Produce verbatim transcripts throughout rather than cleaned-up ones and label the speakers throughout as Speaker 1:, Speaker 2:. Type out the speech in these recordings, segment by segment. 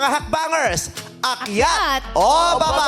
Speaker 1: mga hakbangers, akyat
Speaker 2: Akyat
Speaker 1: o baba?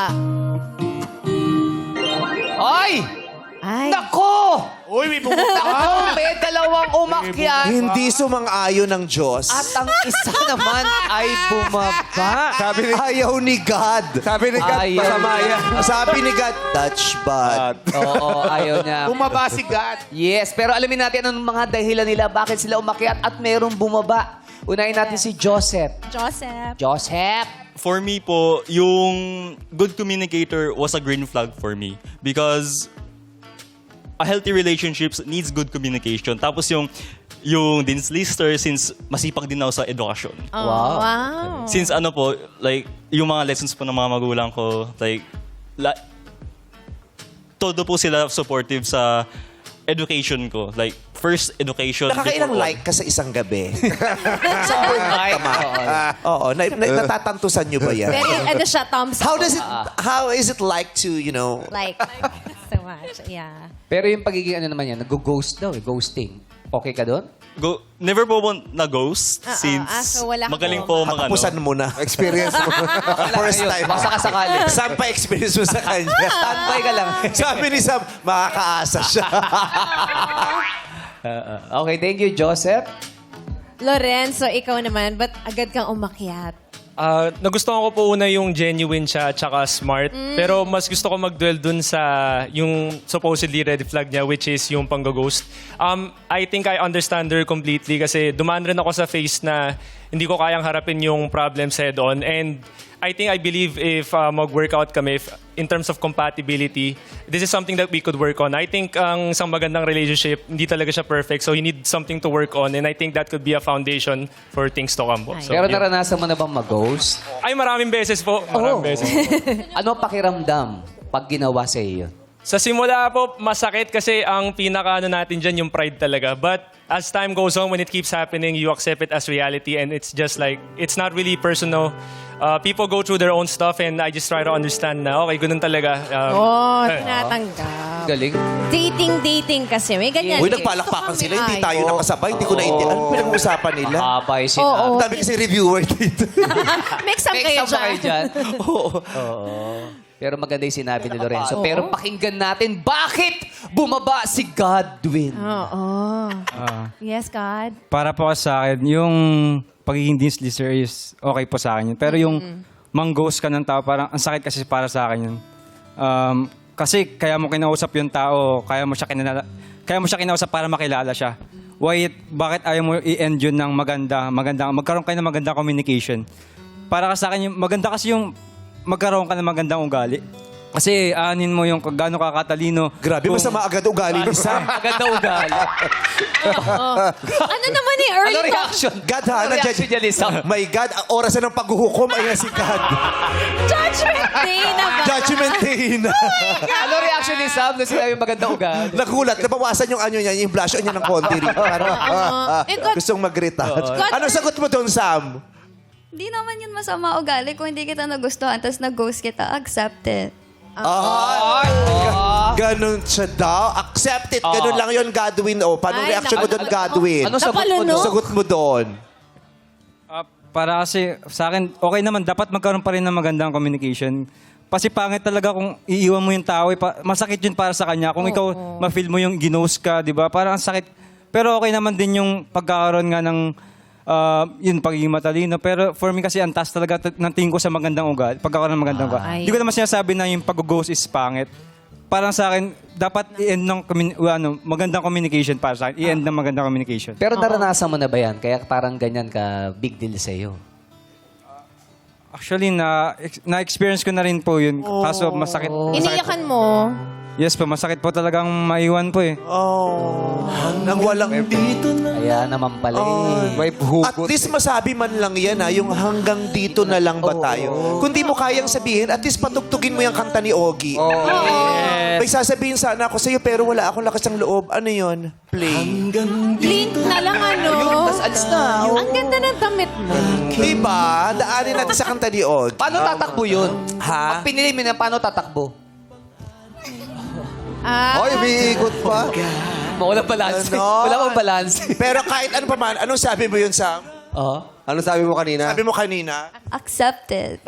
Speaker 3: Ay!
Speaker 2: Ay.
Speaker 3: Nako!
Speaker 4: Uy, may pumunta.
Speaker 3: Nako, may dalawang umakyat.
Speaker 1: Hindi sumang-ayon ng Diyos.
Speaker 3: At ang isa naman ay bumaba.
Speaker 1: Sabi ni, ayaw ni God.
Speaker 5: Sabi ni Kat,
Speaker 3: Ayaw.
Speaker 5: masama yan.
Speaker 1: Sabi ni God, touch bad.
Speaker 3: Oo, ayaw niya.
Speaker 4: Bumaba si God.
Speaker 3: Yes, pero alamin natin anong mga dahilan nila, bakit sila umakyat at merong bumaba. Unahin natin si Joseph.
Speaker 2: Joseph.
Speaker 3: Joseph!
Speaker 6: For me po, yung good communicator was a green flag for me. Because a healthy relationships needs good communication. Tapos yung yung Dean's Lister, since masipag din ako sa edukasyon.
Speaker 2: Oh,
Speaker 3: Wow.
Speaker 2: wow.
Speaker 6: Since ano po, like, yung mga lessons po ng mga magulang ko, like, la, todo po sila supportive sa education ko. Like, first education.
Speaker 1: Nakakailang
Speaker 6: before-
Speaker 1: like ka sa isang gabi.
Speaker 3: Ay, oo.
Speaker 1: Oo, na, na, natatantusan nyo ba yan?
Speaker 2: Very, ano siya, thumbs
Speaker 1: How
Speaker 2: up.
Speaker 1: does it, how is it like to, you know,
Speaker 2: Like, so much. Yeah.
Speaker 3: Pero yung pagiging ano naman yan, nag-ghost daw eh, ghosting. Okay ka doon?
Speaker 6: Go, never po po na-ghost
Speaker 2: Ah, ah,
Speaker 6: since
Speaker 2: ah, so wala ka
Speaker 6: magaling
Speaker 2: po.
Speaker 6: po mga ano.
Speaker 1: katapusan mo na?
Speaker 5: Experience mo.
Speaker 1: First
Speaker 3: Ayun,
Speaker 1: time.
Speaker 3: basta ka sakali.
Speaker 1: Saan pa experience mo sa kanya?
Speaker 3: Standby ka lang.
Speaker 1: Sabi ni Sam, makakaasa siya.
Speaker 3: Okay, thank you, Joseph.
Speaker 2: Lorenzo, ikaw naman, ba't agad kang umakyat?
Speaker 7: Ah, nagustuhan ko po una yung genuine siya at saka smart. Pero mas gusto ko mag-dwell dun sa yung supposedly red flag niya, which is yung pang-ghost. Um, I think I understand her completely kasi dumaan rin ako sa phase na hindi ko kayang harapin yung problems head-on. And I think I believe if uh, mag-workout kami, if, in terms of compatibility, this is something that we could work on. I think ang isang magandang relationship, hindi talaga siya perfect. So you need something to work on. And I think that could be a foundation for things to come po. So,
Speaker 3: Pero
Speaker 7: yun.
Speaker 3: naranasan mo na bang mag-ghost?
Speaker 7: Ay, maraming beses po. Maraming beses.
Speaker 3: Ano pakiramdam pag ginawa sa iyo?
Speaker 7: Sa simula po, masakit kasi ang pinaka ano natin dyan, yung pride talaga. But as time goes on, when it keeps happening, you accept it as reality and it's just like, it's not really personal. Uh, people go through their own stuff and I just try to understand na, okay, ganun talaga. Um,
Speaker 2: Oh,
Speaker 7: eh,
Speaker 2: tinatanggap.
Speaker 3: Galing.
Speaker 2: Dating, dating kasi. May ganyan.
Speaker 1: Uy,
Speaker 2: eh.
Speaker 1: nagpalakpakan
Speaker 2: Gusto
Speaker 1: sila,
Speaker 2: kami,
Speaker 1: hindi
Speaker 2: ay.
Speaker 1: tayo nakasabay. Hindi ko naintindihan. Ano pinag-uusapan nila?
Speaker 3: Mahaba yung
Speaker 2: Oo.
Speaker 3: sinabi.
Speaker 1: Ang dami kasi reviewer dito.
Speaker 2: Make some
Speaker 3: Make
Speaker 2: kayo
Speaker 3: some ba kayo
Speaker 2: dyan.
Speaker 3: dyan? Oo. Pero maganda yung sinabi ni Lorenzo. Pero pakinggan natin, bakit bumaba si Godwin?
Speaker 2: Oo. Yes, God.
Speaker 8: Para po sa akin, yung pagiging Dean's Lister is okay po sa akin yun. Pero yung mang-ghost ka ng tao, parang ang sakit kasi para sa akin yun. Um, kasi kaya mo kinausap yung tao, kaya mo siya kinala, kaya mo siya kinausap para makilala siya. Why, bakit ayaw mo i-end yun ng maganda, maganda, magkaroon kayo ng magandang communication? Para ka sa akin, yung, maganda kasi yung magkaroon ka ng magandang ugali. Kasi anin mo yung gaano ka katalino.
Speaker 1: Grabe,
Speaker 8: Kung-
Speaker 1: masama agad ugali ni Sam.
Speaker 3: Maganda ugali.
Speaker 2: Ano naman eh, early
Speaker 3: Ano
Speaker 2: talk.
Speaker 3: reaction?
Speaker 1: God, ha?
Speaker 3: Ano reaction niya, Lisa?
Speaker 1: My God, ang oras na ng paghuhukom ay si God.
Speaker 2: Judgment day na ba?
Speaker 1: Judgment day na.
Speaker 3: Ano reaction ni Sam nung sinabi maganda ugali?
Speaker 1: Nagulat, nabawasan yung ano niya, yung blush on niya ng konti rin. Parang, ah, ah,
Speaker 2: Eh, God-
Speaker 1: gustong mag-retouch. Anong sagot mo doon, Sam?
Speaker 9: Di naman yun masama ugali kung hindi kita nagustuhan tapos nag-ghost kita, accept it.
Speaker 1: Ah, ganun siya daw. Accept it. Ganun lang yun, Godwin. O, paano
Speaker 2: Ay,
Speaker 1: reaction mo
Speaker 2: naku-
Speaker 1: doon, Godwin?
Speaker 3: Ano sagot mo
Speaker 2: Napalunok.
Speaker 3: doon?
Speaker 1: Sagot mo doon.
Speaker 8: Ah, para kasi sa akin, okay naman. Dapat magkaroon pa rin ng magandang communication. Kasi pangit talaga kung iiwan mo yung tao. eh, pa- Masakit yun para sa kanya. Kung ikaw ma-feel mo yung ginost ka, di ba? Parang ang sakit. Pero okay naman din yung pagkakaroon nga ng ah, yun, pagiging matalino. Pero for me kasi ang taas talaga t- ng tingin ko sa magandang ugali. Pagkakaroon ng magandang ugali.
Speaker 2: Ay.
Speaker 8: Hindi ko naman sinasabi na yung pag-ghost is pangit. Parang sa akin, dapat i-end ng communi- ano, magandang communication para sa akin. I-end ng magandang communication.
Speaker 3: Pero naranasan mo na ba yan? Kaya parang ganyan ka big deal sa iyo.
Speaker 8: Actually, na, ex- na-experience ko na rin po yun. Kaso masakit. masakit
Speaker 2: Iniyakan mo.
Speaker 8: Yes po, masakit po talagang maiwan po eh.
Speaker 1: Oh. Nang walang...
Speaker 3: Kaya naman pala eh.
Speaker 5: May
Speaker 1: At
Speaker 5: hugot.
Speaker 1: least masabi man lang yan, ha, yung hanggang dito na lang ba tayo? Kung di mo kayang sabihin, at least patugtugin mo yung kanta ni Ogie. May sasabihin sana ako sa'yo, pero wala akong lakas ng loob. Ano yun? Play.
Speaker 2: Blink na lang ano.
Speaker 3: Tapos alis na.
Speaker 2: Ang ganda ng damit mo.
Speaker 1: Diba? Daanin natin sa kanta ni Ogie.
Speaker 3: Paano tatakbo yun?
Speaker 1: Ha?
Speaker 3: Pag pinili mo na, paano tatakbo?
Speaker 2: Ah,
Speaker 5: Oy, may ikot pa.
Speaker 3: Wala balance.
Speaker 1: Ano?
Speaker 3: Wala bang balance.
Speaker 1: Pero kahit ano pa man, anong sabi mo yun, Sam?
Speaker 3: Oo.
Speaker 4: Ano sabi mo kanina?
Speaker 1: Sabi mo kanina,
Speaker 9: Accepted.